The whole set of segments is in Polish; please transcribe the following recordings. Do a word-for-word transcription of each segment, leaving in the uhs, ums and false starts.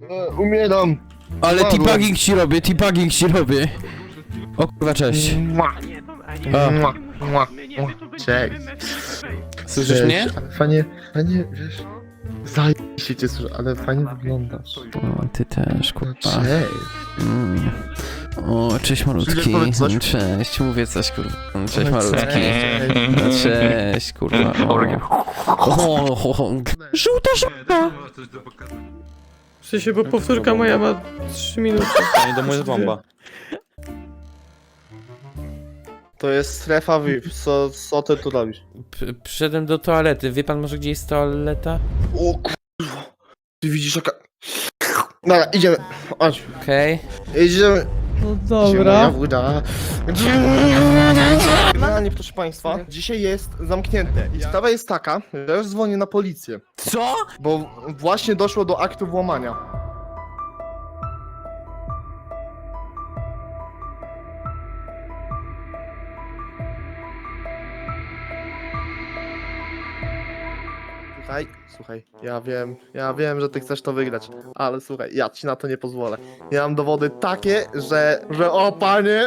E, umieram. Ale Umarłem. teabagging ci robię, teabagging ci robię. O kurwa, cześć. Mua, A. mua, mua, mua. Cześć. Słyszysz Cześć. mnie? Ale fajnie, fajnie, wiesz... Zajebiście cię słyszę, ale fajnie wyglądasz. O, ty też, kurwa. Cześć. Mm. O, cześć malutki. Powiedz coś. Cześć, mówię coś, kurwa. Cześć Powiedz malutki. cześć. No, cześć, kurwa. O, o, o, o. Żółta żółta! W sensie, bo powtórka moja ma trzy minuty. Nie do mojej bomba. To jest strefa V I P, co, co ty tu robisz? P- Przyszedłem do toalety. Wie pan może gdzie jest toaleta? O kurwa. Ty widzisz jaka... Dobra, idziemy. Chodź. Okej. Idziemy. No Moja dobra. woda. Generalnie, proszę państwa, dzisiaj jest zamknięte i sprawa jest taka, że ja już dzwonię na policję, Co? bo właśnie doszło do aktu włamania. Słuchaj, słuchaj, ja wiem, ja wiem, że ty chcesz to wygrać, ale słuchaj, ja ci na to nie pozwolę. Ja mam dowody takie, że, że o panie,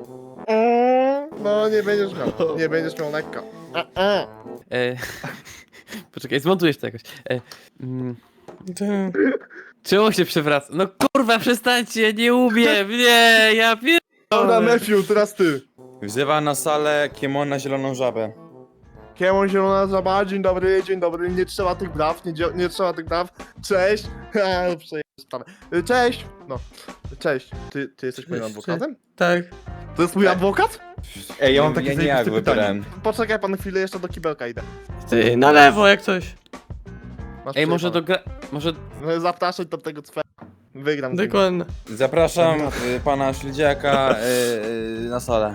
mm, no nie będziesz miał, nie będziesz miał lekka. A, a. E, poczekaj, zmontujesz to jakoś. E, mm, Ty. czemu się przewraca? No kurwa, przestańcie, nie umiem, nie, ja pier... Dobra, Matthew, teraz ty. Wzywa na salę Kiemona Zieloną Żabę. Kiemon Zielona Żaba, dzień dobry, dzień dobry, nie trzeba tych braw, nie, dzia- nie trzeba tych braw, cześć, ha, przejeżdżę sprawę. Y, Cześć, no, cześć, ty, ty jesteś moim Cześć, adwokatem? Tak. To jest mój adwokat? Ej, ja mam takie ja nie ja jak wybrałem. Poczekaj pan chwilę, jeszcze do kibelka idę. Ty, na lewo jak coś. Masz Ej, może do przejebane. gra... może... No, zapraszać do tego cwera. Wygram. z nim. Dokładnie. Zapraszam y, pana Śledziaka y, y, na salę.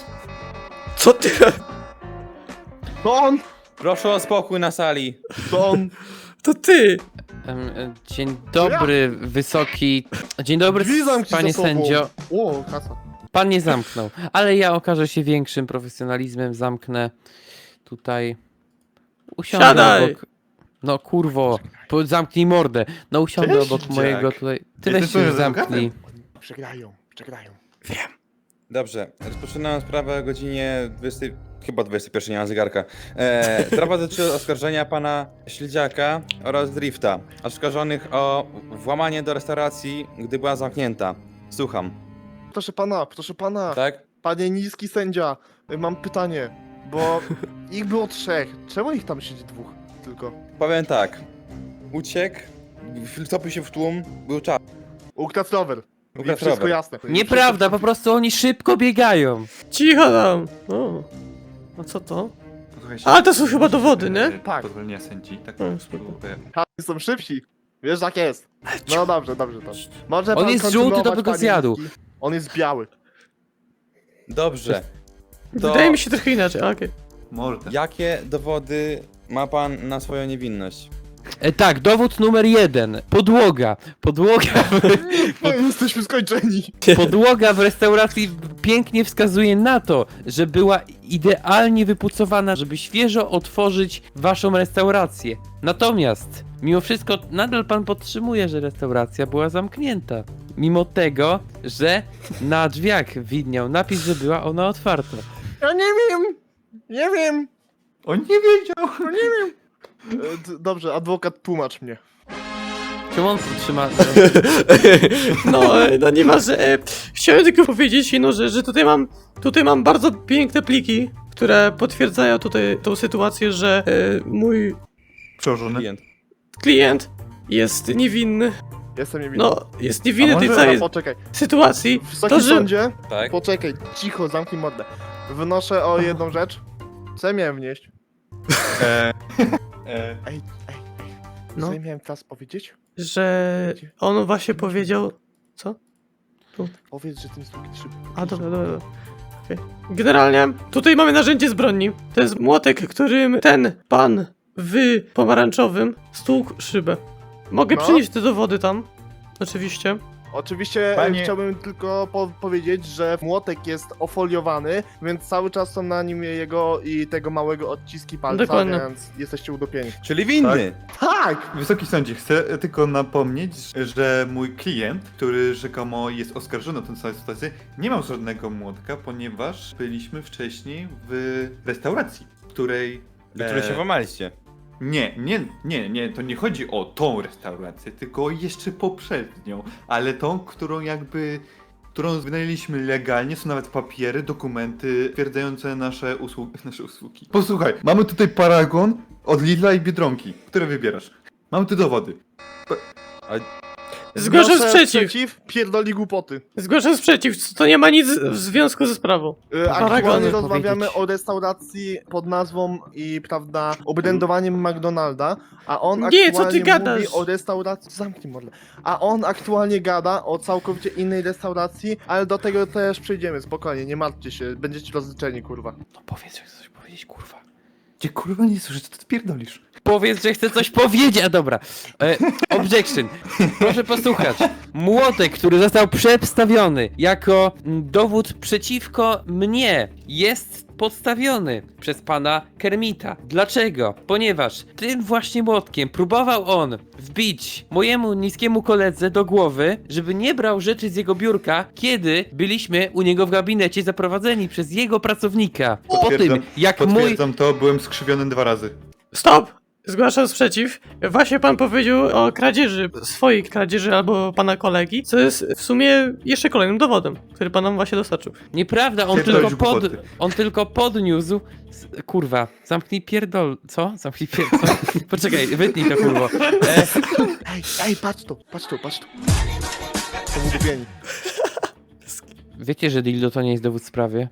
Co ty? To on, Proszę o spokój na sali. to on. To ty! Em, e, dzień dobry, wysoki... Dzień dobry, Drzwi zamknij panie za sobą. sędzio. O, kasa. Pan nie zamknął, ale ja okażę się większym profesjonalizmem, zamknę tutaj... Usiądę Siadaj! obok... No kurwo, po- zamknij mordę. No usiądę Cześć, obok dziak. mojego tutaj... Ty Jesteś weź się moim zamknij. Przegrają, przegrają. Dobrze, rozpoczynam sprawę o godzinie dwudziestej... Chyba dwudziestej pierwszej, nie mam zegarka. E, sprawa dotyczy oskarżenia pana Śledziaka oraz Drifta, oskarżonych o włamanie do restauracji, gdy była zamknięta. Słucham, Proszę pana, proszę pana, tak? panie niski sędzia, y, mam pytanie, bo ich było trzech, czemu ich tam siedzi dwóch tylko? Powiem tak. Uciekł, wtopił się w tłum, był czas. Ukradł rower. Ukradł Wszystko rower. jasne. Nieprawda, po prostu oni szybko biegają. Cicho tam! O. A co to? Posłuchaj się. A, to są chyba dowody, nie? Tak. Pozwolenia sędzi, tak? O, spoko. Ha, są szybsi. Wiesz jak jest. No dobrze, dobrze, dobrze. Może On pan jest żółty, to kontynuować, by go panie zjadł. niski. On jest biały. Dobrze. To Wydaje mi się trochę inaczej, a, okej. Mordę. jakie dowody ma pan na swoją niewinność? E, tak, dowód numer jeden. Podłoga. Podłoga No, jesteśmy skończeni. Podłoga w restauracji pięknie wskazuje na to, że była idealnie wypucowana, żeby świeżo otworzyć waszą restaurację. Natomiast, mimo wszystko, nadal pan podtrzymuje, że restauracja była zamknięta. Mimo tego, że na drzwiach widniał napis, że była ona otwarta. Ja nie wiem. Nie wiem. On nie wiedział! No nie wiem. E, d- Dobrze, adwokat, tłumacz mnie. Czemu on podtrzyma... No, e, no nie ma, że... e, Chciałem tylko powiedzieć jedną rzecz, że tutaj mam... Tutaj mam bardzo piękne pliki, które potwierdzają tutaj tą sytuację, że e, mój Przełożony. Klient. klient jest niewinny. Jestem niewinny. No, jest niewinny A tej może- całej Dobra, poczekaj. sytuacji. Wysoki To, że... sądzie, Tak? poczekaj, cicho, zamknij mordę. Wnoszę o jedną rzecz. Co ja miałem wnieść? E, e, Ej, ej, ej. No. Co ja miałem teraz powiedzieć? Że on właśnie powiedział... Co? Powiedz, że tym sługi trzy. A, dobra, dobra. dobra. Okej. Generalnie tutaj mamy narzędzie z broni. To jest młotek, którym ten pan w pomarańczowym stłukł szybę. Mogę No. przynieść te dowody tam. Oczywiście. Oczywiście e, Panie- chciałbym tylko po powiedzieć, że młotek jest ofoliowany, więc cały czas są na nim jego i tego małego odciski palca, Dokładnie. więc jesteście utopieni. Czyli winny. Tak! Wysoki sądzie, chcę tylko napomnieć, że mój klient, który rzekomo jest oskarżony o tę całą sytuację, nie miał żadnego młotka, ponieważ byliśmy wcześniej w restauracji, w której... Do której się e, włamaliście. Nie, nie, nie, nie, to nie chodzi o tą restaurację, tylko jeszcze poprzednią, ale tą, którą jakby, którą wynajęliśmy legalnie, są nawet papiery, dokumenty twierdzające nasze usługi, nasze usługi. Posłuchaj, mamy tutaj paragon od Lidla i Biedronki, które wybierasz. Mamy tu dowody. Zgłaszam Wnoszę sprzeciw! Pierdoli głupoty. Zgłaszam sprzeciw, to nie ma nic w związku ze sprawą. E, Paragony Aktualnie rozmawiamy powiedzieć. o restauracji pod nazwą i, prawda, obrędowaniem McDonalda, a on Nie, co ty aktualnie gadasz? mówi o restauracji... Zamknij mordę. A on aktualnie gada o całkowicie innej restauracji, ale do tego też przejdziemy, spokojnie, nie martwcie się, będziecie rozliczeni, kurwa. No powiedz, że chcesz coś powiedzieć, kurwa. Gdzie kurwa nie słyszę, co ty pierdolisz? Powiedz, że chce coś powiedzieć, a dobra. E, objection. Proszę posłuchać. Młotek, który został przedstawiony jako mm, dowód przeciwko mnie, jest podstawiony przez pana Kermita. Dlaczego? Ponieważ tym właśnie młotkiem próbował on wbić mojemu niskiemu koledze do głowy, żeby nie brał rzeczy z jego biurka, kiedy byliśmy u niego w gabinecie zaprowadzeni przez jego pracownika. Po tym, Potwierdzam- jak mój... Potwierdzam to, byłem skrzywiony dwa razy. Stop! Zgłaszam sprzeciw. Właśnie pan powiedział o kradzieży, swojej kradzieży albo pana kolegi, co jest w sumie jeszcze kolejnym dowodem, który pan nam właśnie dostarczył. Nieprawda, on Pierdolisz tylko, pod, głupoty. on tylko podniósł... s- Kurwa, zamknij pierdol... Co? Zamknij pierdol... Co? Poczekaj, wytnij to, kurwo. E, Ej, ej, patrz tu, patrz tu, patrz tu. Są udupieni. wiecie, że dildo to nie jest dowód w sprawie?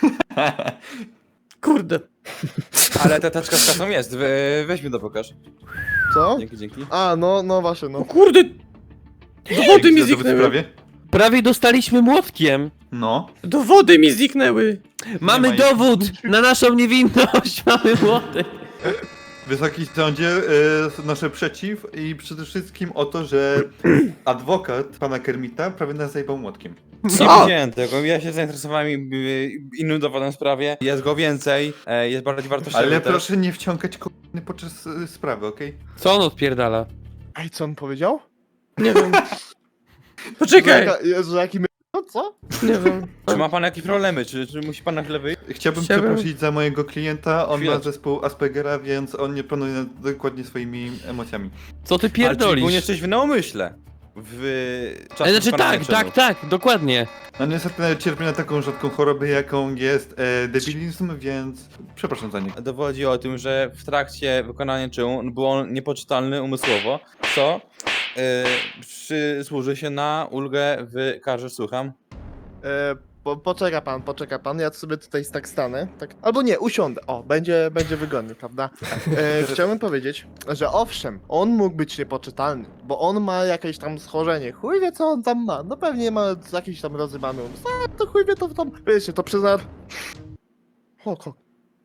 Kurde. Ale ta taczka z kasą jest, we, weźmy to pokaż. Co? Dzięki, dzięki. A, no, no właśnie, O no. kurde! Dowody mi Za dowód w zniknęły. sprawie? Prawie dostaliśmy młotkiem! No. Dowody mi zniknęły. Mamy ma- dowód na naszą niewinność! Mamy młotek! Wysoki sądzie, y, nasze przeciw i przede wszystkim o to, że adwokat pana Kermita prawie nas zajebał młotkiem. Nie Co? widziałem tego, ja się zainteresowałem y, innym dowodem w sprawie. Jest go więcej, e, jest bardziej wartościowy Ale też. proszę nie wciągać kolejny podczas y, sprawy, okej? Co on odpierdala? Ej, co on powiedział? Nie wiem. Poczekaj. Że, jaka- że jaki my... No, co? Nie wiem. Czy ma pan jakieś problemy? Czy, czy musi pan na chwilę wyjść? Chciałbym, Chciałbym- przeprosić za mojego klienta, on Chwilę. ma zespół Aspergera, więc on nie planuje dokładnie swoimi emocjami. Co ty Ale czyli był pierdolisz? nieszczęśliwy na umyśle. W czasie Ale znaczy wykonania tak, czynów. tak, tak, dokładnie. No niestety cierpi na taką rzadką chorobę, jaką jest e, debilizm, więc przepraszam za niego. Dowodzi o tym, że w trakcie wykonania czynu był on niepoczytalny umysłowo, co y, przysłuży się na ulgę w karze, słucham. E, po, poczeka pan, poczeka pan, ja sobie tutaj tak stanę, tak, albo nie, usiądę, o, będzie, będzie wygodnie, prawda? E, chciałbym powiedzieć, że owszem, on mógł być niepoczytalny, bo on ma jakieś tam schorzenie, chuj wie co on tam ma, no pewnie ma jakiś tam rozrywany umysł, a to chuj wie to tam, wiecie, to przez... nar- O, ko...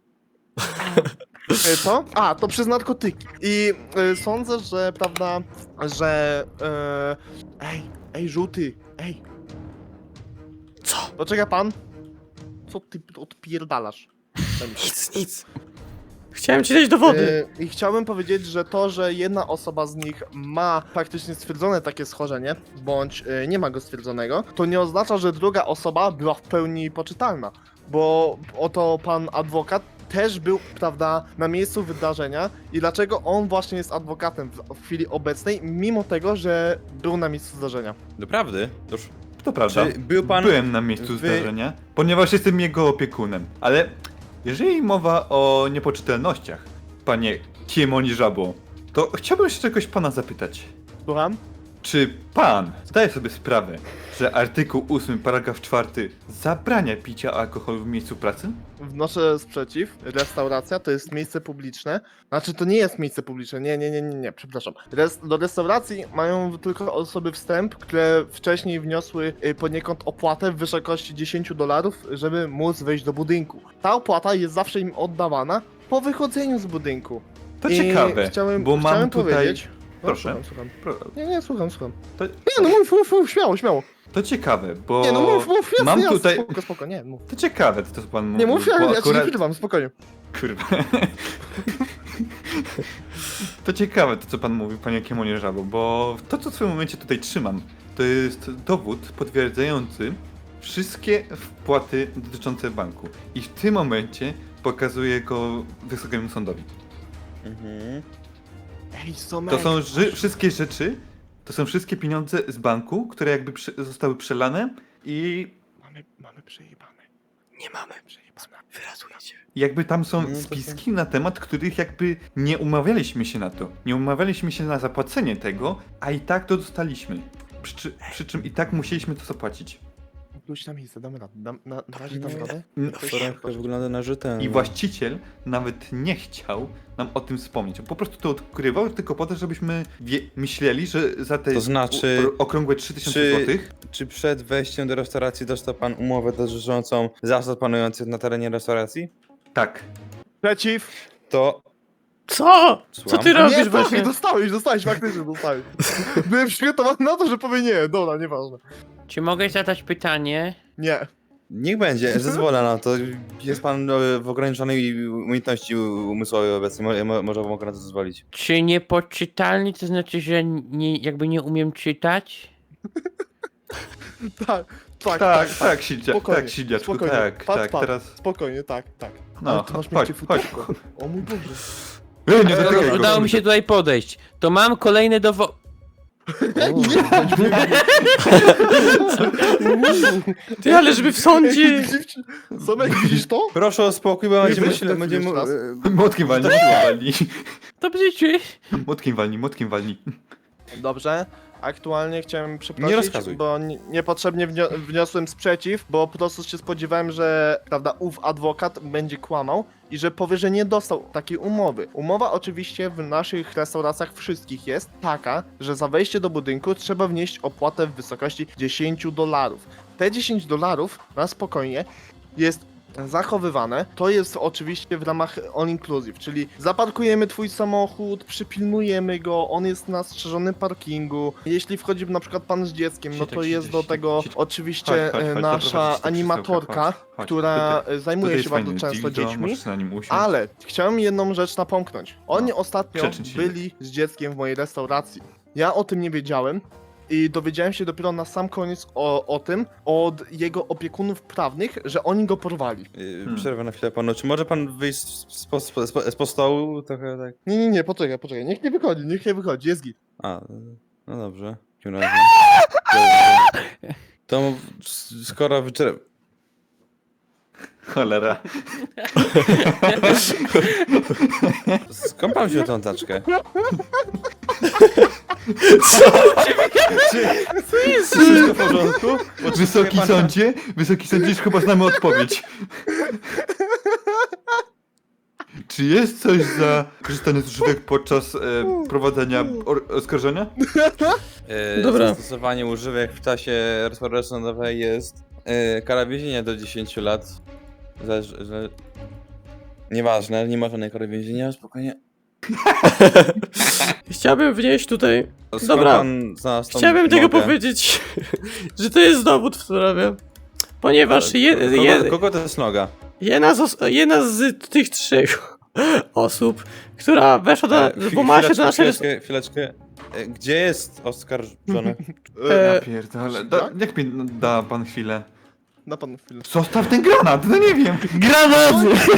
E, Co? A, to przez narkotyki. I e, sądzę, że, prawda, że... E, ej, ej, żółty, ej. Co? Poczeka pan. Co ty odpierdalasz? Nic, nic. Chciałem ci dać dowody. E, I chciałbym powiedzieć, że to, że jedna osoba z nich ma praktycznie stwierdzone takie schorzenie, bądź e, nie ma go stwierdzonego, to nie oznacza, że druga osoba była w pełni poczytalna. Bo oto pan adwokat też był, prawda, na miejscu wydarzenia i dlaczego on właśnie jest adwokatem w, w chwili obecnej, mimo tego, że był na miejscu zdarzenia. Doprawdy? Toż, To prawda. czy był pan... Byłem na miejscu wy- zdarzenia, ponieważ jestem jego opiekunem. Ale jeżeli mowa o niepoczytelnościach, panie Kiemoni Żabo, to chciałbym się czegoś pana zapytać. Słucham? Czy pan zdaje sobie sprawę, że artykuł ósmy, paragraf czwarty zabrania picia alkoholu w miejscu pracy? Wnoszę sprzeciw. Restauracja to jest miejsce publiczne. Znaczy, to nie jest miejsce publiczne. Nie, nie, nie, nie, nie, przepraszam. Res do restauracji mają tylko osoby wstęp, które wcześniej wniosły y, poniekąd opłatę w wysokości dziesięć dolarów, żeby móc wejść do budynku. Ta opłata jest zawsze im oddawana po wychodzeniu z budynku. To I ciekawe, chciałem, bo mam chciałem tutaj... powiedzieć. Proszę. Słucham, słucham. Pro- Nie, nie, słucham, słucham. To, Nie, no mów, mów, mów, śmiało, śmiało. to ciekawe, bo Nie, no mów, mów, jasne, mam jasne, tutaj... spoko, spoko, nie, mów. To ciekawe, to co pan mówi. Nie mów, ja, bo ja ci nie akurat... przerywam, spokojnie. Kurwa. To ciekawe to, co pan mówi, panie Kiemonie Żabo, bo to, co w tym momencie tutaj trzymam, to jest dowód potwierdzający wszystkie wpłaty dotyczące banku. I w tym momencie pokazuję go Wysokiemu Sądowi. Ej, To Mhm. Somek. są ży- wszystkie rzeczy, to są wszystkie pieniądze z banku, które jakby prze- zostały przelane i Mamy, mamy przejebane. Nie mamy. Przejebane. Wyrazujecie. jakby tam są No, to spiski na temat, których jakby nie umawialiśmy się na to. Nie umawialiśmy się na zapłacenie tego, a i tak to dostaliśmy. Przy, czy- przy czym i tak musieliśmy to zapłacić. Wróć na miejsce, damy radę. Dam, na, na razie dam radę. N- To wygląda na rzetelnie. I właściciel nawet nie chciał nam o tym wspomnieć. On po prostu to odkrywał tylko po to, żebyśmy wie- myśleli, że za te To znaczy, u- okrągłe trzy tysiące czy- złotych Czy przed wejściem do restauracji dostał pan umowę dotyczącą zasad panujących na terenie restauracji? tak. Przeciw. To Co? Co Słucham? ty robisz nie, tak, właśnie? dostałeś, dostałeś, faktycznie dostałeś. Byłem przygotowany na to, że powie nie, dobra, nieważne. Czy mogę zadać pytanie? Nie. niech będzie, zezwolę na to. Jest pan e, w ograniczonej umiejętności umysłowej obecnie, mo, mo, może mogę na to zezwolić. Czy niepoczytalny to znaczy, że nie, jakby nie umiem czytać? Tak, tak, Tak, tak, Sildzia, Spokojnie, tak, Sildziaczku, spokojnie. tak, Patrz, tak, patrz. teraz... Spokojnie, tak, tak. No, Ale ty masz chodź, miękkie chodź. futerko. O mój Boże. Ej, nie Ej, dotykaj dobra, go. Udało mi się tutaj podejść. To mam kolejne dowody. Ty, ale żeby w sądzie... Somek, widzisz to? Proszę o spokój, bo będzie weź myślę, tak będzie jeszcze raz. e, Młotkiem walnij, młotkiem walnij. Dobrze czy? Młotkiem walnij, młotkiem walnij. Dobrze. Aktualnie chciałem przeprosić, Nie rozkazuj. bo ni- niepotrzebnie wnio- wniosłem sprzeciw, bo po prostu się spodziewałem, że prawda, ów adwokat będzie kłamał i że powie, że nie dostał takiej umowy. Umowa oczywiście w naszych restauracjach wszystkich jest taka, że za wejście do budynku trzeba wnieść opłatę w wysokości dziesięć dolarów. Te dziesięć dolarów na spokojnie jest zachowywane. To jest oczywiście w ramach all inclusive, czyli zaparkujemy twój samochód, przypilnujemy go, on jest na strzeżonym parkingu. Jeśli wchodzi na przykład pan z dzieckiem, no Siedź, to siedź, jest siedź, do siedź, tego siedź. oczywiście Chodź, chodź, chodź, nasza zaprowadź to animatorka, krzesełko, chodź, chodź. która Tutaj- zajmuje Tutaj się jest bardzo fajny często dildo, dziećmi. możesz na nim usiąść. Ale chciałem jedną rzecz napomknąć. Oni ostatnio przeczyn się. byli z dzieckiem w mojej restauracji. Ja o tym nie wiedziałem i dowiedziałem się dopiero na sam koniec o, o tym od jego opiekunów prawnych, że oni go porwali. e, przerwę na chwilę panu. Czy może pan wyjść z, po, z, po, z po stołu? Trochę tak. Nie, nie, nie, poczekaj, poczekaj. Niech nie wychodzi, niech nie wychodzi, jest git. A, no dobrze. W takim razie. To s- skoro wyczer... Cholera. Skąd pan wziął tą taczkę? Co jest? Wszystko w porządku? Wysoki sądzie, wysoki sądzie, już chyba znamy odpowiedź. Czy jest coś za korzystanie z używek podczas e, prowadzenia or- oskarżenia? E, Dobra. Zastosowanie używek w czasie restauracji sądowej jest e, kara więzienia do dziesięciu lat. Zależy, że... Nieważne, nie ma żadnej kary więzienia, spokojnie. Chciałbym wnieść tutaj... Skąd Dobra. pan znalazł tą Chciałbym tego umowę? powiedzieć, że to jest dowód w sprawie. Ponieważ je, Kogo, je, kogo to jest noga? jedna, z, os- jedna z tych trzech osób, która weszła do, E, chwi- włamała się do chwileczkę, naszej rest- chwileczkę, chwileczkę. E, Gdzie jest oskarżony? E, Ja pierdolę. Da, jak mi da pan chwilę? Na panu chwilę. Zostaw ten granat, no nie wiem. Granat!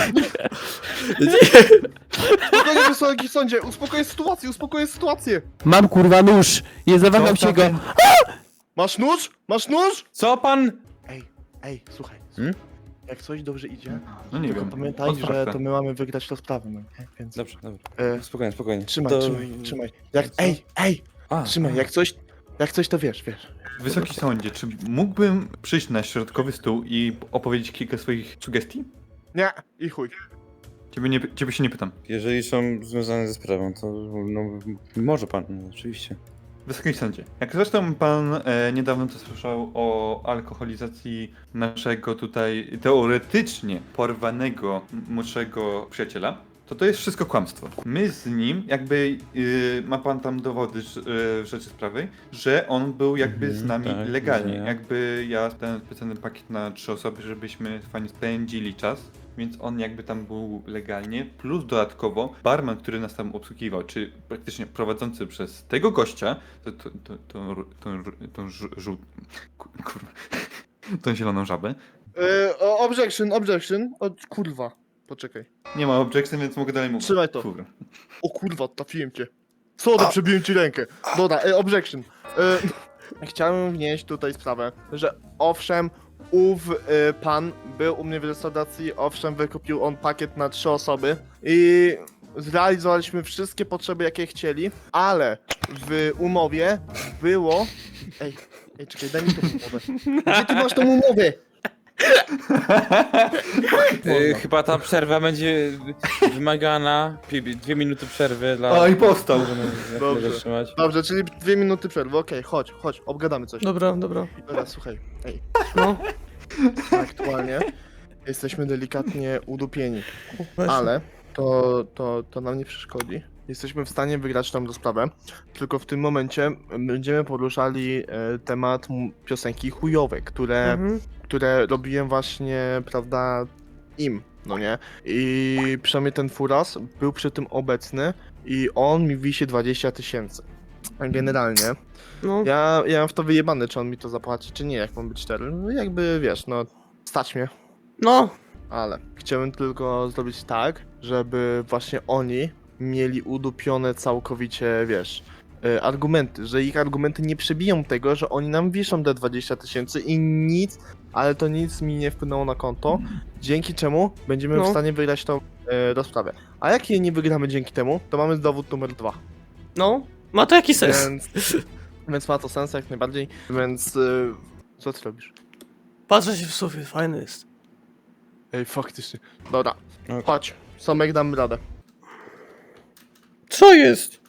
Spokojnie, wysoki sądzie, uspokoję sytuację, uspokoję sytuację. Mam kurwa nóż! Nie zawaham się go. Masz nóż? Masz nóż? Co pan? Ej, ej, słuchaj. Hmm? Jak coś dobrze idzie, No nie tylko wiem. pamiętaj, Odsprawdź że to. to my mamy wygrać rozprawę, no nie? Więc... Dobrze, dobrze. E, Spokojnie, spokojnie. trzymaj, To- trzymaj, trzymaj. Jak, Co? ej, ej, A, trzymaj, jak coś, jak coś to wiesz, wiesz. Wysoki sądzie, czy mógłbym przyjść na środkowy stół i opowiedzieć kilka swoich sugestii? Nie, i chuj. Ciebie, nie, ciebie się nie pytam. jeżeli są związane ze sprawą, to no, może pan, no, oczywiście. Wysoki sądzie, jak zresztą pan e, niedawno to słyszał o alkoholizacji naszego tutaj teoretycznie porwanego m- młodszego przyjaciela, to to jest wszystko kłamstwo. My z nim, jakby yy, ma pan tam dowody yy, rzeczy sprawy, że on był jakby Mhm, z nami tak, legalnie. widzę. Jakby ja dałem specjalny pakiet na trzy osoby, żebyśmy fajnie spędzili czas. Więc on jakby tam był legalnie, plus dodatkowo barman, który nas tam obsługiwał, czy praktycznie prowadzący przez tego gościa, to, to, to, to, tą, tą żu- żół... ku- kurwa, tą zieloną żabę. Yy, o- objection, objection. O, kurwa, poczekaj. Nie ma objection, więc mogę dalej mówić. Trzymaj to. Kurwa. O kurwa, trafiłem cię. Sorry, przebiłem ci rękę. Dobra, e, objection. E, chciałem wnieść tutaj sprawę, że owszem, ów e, pan był u mnie w restauracji, owszem, wykupił on pakiet na trzy osoby i zrealizowaliśmy wszystkie potrzeby, jakie chcieli, ale w umowie było... Ej, ej, czekaj, daj mi tą umowę. Gdzie ty masz tą umowę? Y, chyba ta przerwa będzie wymagana. Pi- Dwie minuty przerwy dla... O, i powstał. Jak Dobrze. mogę trzymać. Dobrze, czyli dwie minuty przerwy, okej, chodź, chodź, obgadamy coś. Dobra, dobra. Dobra, słuchaj, ej, No, aktualnie jesteśmy delikatnie udupieni, właśnie. ale to, to, to nam nie przeszkodzi. Jesteśmy w stanie wygrać tą rozprawę, tylko w tym momencie będziemy poruszali e, temat m- piosenki chujowe, które, Mhm. które robiłem właśnie, prawda, im, no nie? I przynajmniej ten furas był przy tym obecny i on mi wisi dwadzieścia tysięcy. Generalnie, No, ja, ja mam w to wyjebane, czy on mi to zapłaci, czy nie, jak mam być szczery. No jakby, wiesz, no, stać mnie. no, Ale chciałem tylko zrobić tak, żeby właśnie oni mieli udupione całkowicie, wiesz, y, argumenty, że ich argumenty nie przebiją tego, że oni nam wiszą te dwadzieścia tysięcy i nic, ale to nic mi nie wpłynęło na konto, dzięki czemu będziemy No. w stanie wygrać tą y, rozprawę. A jak jej nie wygramy dzięki temu, to mamy dowód numer dwa. no. Ma to jakiś sens. Więc, więc ma to sens jak najbardziej, więc y, co ty robisz? Patrzę się w sufit, fajny jest. Ej, faktycznie. Dobra, Okej. chodź, Somek, dam radę. Co jest?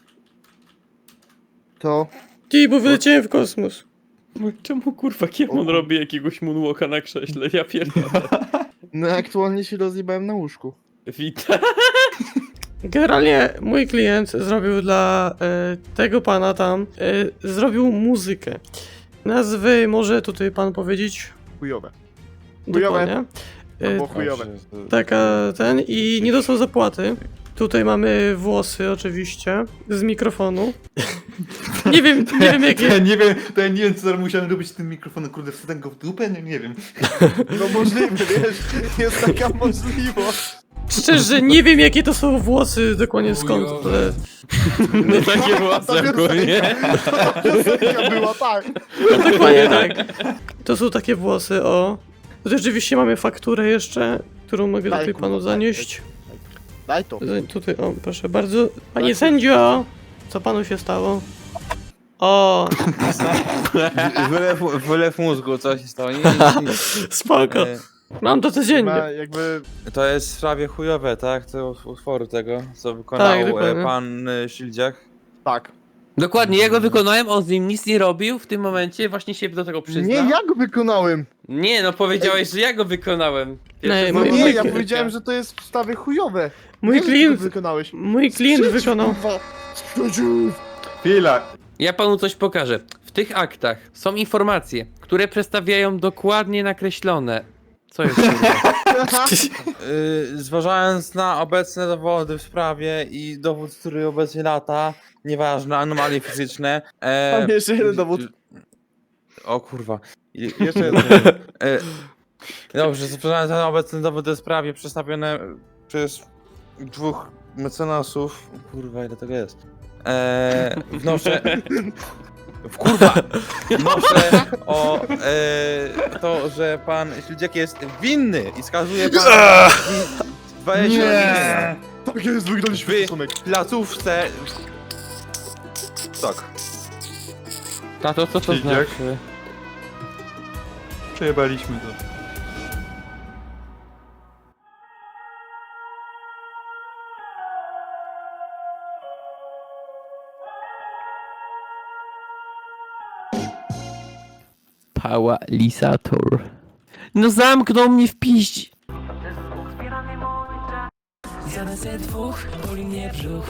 To Ty, bo wyleciałem w kosmos. No czemu kurwa Kiemon robi jakiegoś moonwalka na krześle? Ja pierdolę. no aktualnie się rozjebałem na łóżku. Witam. Generalnie mój klient zrobił dla e, tego pana tam, e, zrobił muzykę. Nazwy może tutaj pan powiedzieć? Chujowe. Chujowe. Dokładnie. E, Albo chujowe. Dobrze, to- taka ten i nie dostał zapłaty. Tutaj mamy włosy oczywiście z mikrofonu. nie wiem, nie wiem Ja jakie. nie wiem, to ja nie wiem, co teraz musiałem robić z tym mikrofonem, kurde, wsadzę go w dupę? Nie, nie wiem. No możliwe, wiesz, jest taka możliwość. Szczerze nie wiem jakie to są włosy dokładnie skąd, ale No takie włosy ogólnie. Piosenka była, tak. no, dokładnie tak. To są takie włosy, o. Tutaj oczywiście mamy fakturę jeszcze, którą mogę Daj, tutaj kurwa, panu daj, zanieść. Daj to. Z- Tutaj, o, proszę bardzo. Panie sędzio! Co panu się stało? O, Wylew, wylew mózgu, co się stało? Nie, nie, nie. spoko. E, Mam to codziennie. Ma jakby... To jest w sprawie chujowe, tak? To utworu tego, co wykonał Tak, e, dokładnie. pan e, Ślidziak. Tak. Dokładnie, ja go wykonałem, on z nim nic nie robił w tym momencie, właśnie się do tego przyznał. Nie, ja go wykonałem. Nie, no powiedziałeś, że ja go wykonałem. Nie, Pierwsze No mój- słowo nie, mój- ja Wojtka. powiedziałem, że to jest wstawy chujowe. Mój Nie, że ty klient, to wykonałeś. mój klient Sprzeciw, wykonał. kurwa. Sprzeciw. Chwila. Ja panu coś pokażę. W tych aktach są informacje, które przedstawiają dokładnie nakreślone. Co jest kurwa? Yy, zważając na obecne dowody w sprawie i dowód, który obecnie lata, nieważne, anomalie fizyczne. E, Mam jeszcze jeden dowód. O kurwa. I- Jeszcze jeden. E, dobrze, zważając na obecne dowody w sprawie przedstawione przez dwóch mecenasów. Kurwa, ile tego jest? E, wnoszę. W kurwa! Wnoszę o e, to, że pan Śledziak jest winny i skazuje pan dwadzieścia Nie. Tak jest, wygraliśmy Wy- Somek. w placówce. Tak. Tato, co to Śledziak? znaczy? Przejebaliśmy to. Pałalisator. No zamknął mnie w piździ. Siadam ze dwóch, boli mnie brzuch.